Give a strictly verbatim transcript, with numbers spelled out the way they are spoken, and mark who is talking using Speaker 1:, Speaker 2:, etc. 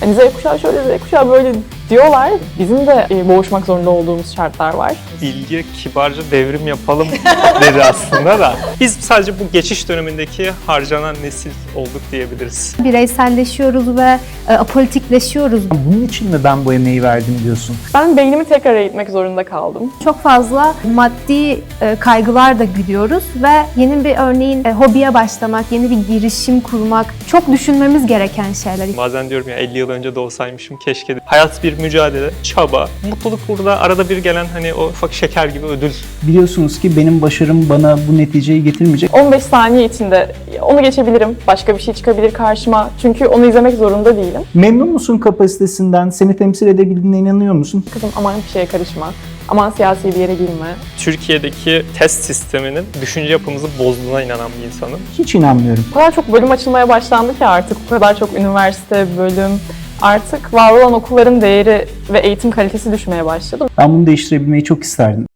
Speaker 1: Hani Z kuşağı şöyle, Z kuşağı böyle diyorlar. Bizim de e, boğuşmak zorunda olduğumuz şartlar var.
Speaker 2: Bilge kibarca devrim yapalım dedi aslında da. Biz sadece bu geçiş dönemindeki harcanan nesil olduk diyebiliriz.
Speaker 3: Bireyselleşiyoruz ve e, apolitikleşiyoruz.
Speaker 4: Bunun için mi ben bu emeği verdim diyorsun?
Speaker 1: Ben beynimi tekrar eğitmek zorunda kaldım.
Speaker 3: Çok fazla maddi e, kaygılar da gidiyoruz ve yeni bir örneğin e, hobiye başlamak, yeni bir girişim kurmak çok düşünmemiz gereken şeyler.
Speaker 2: Bazen diyorum ya elli yıl önce doğsaymışım keşke. Hayat bir mücadele, çaba. Mutluluk burada arada bir gelen hani o ufak şeker gibi ödül.
Speaker 4: Biliyorsunuz ki benim başarım bana bu neticeyi getirmeyecek.
Speaker 1: on beş saniye içinde onu geçebilirim. Başka bir şey çıkabilir karşıma. Çünkü onu izlemek zorunda değilim.
Speaker 4: Memnun musun kapasitesinden? Seni temsil edebildiğine inanıyor musun?
Speaker 1: Kızım aman bir şeye karışma. Aman siyasi bir yere girme.
Speaker 2: Türkiye'deki test sisteminin düşünce yapımızı bozduğuna inanan bir insanım.
Speaker 4: Hiç inanmıyorum.
Speaker 1: O kadar çok bölüm açılmaya başlandı ki artık. O kadar çok üniversite, bölüm. Artık var olan okulların değeri ve eğitim kalitesi düşmeye başladı.
Speaker 4: Ben bunu değiştirebilmeyi çok isterdim.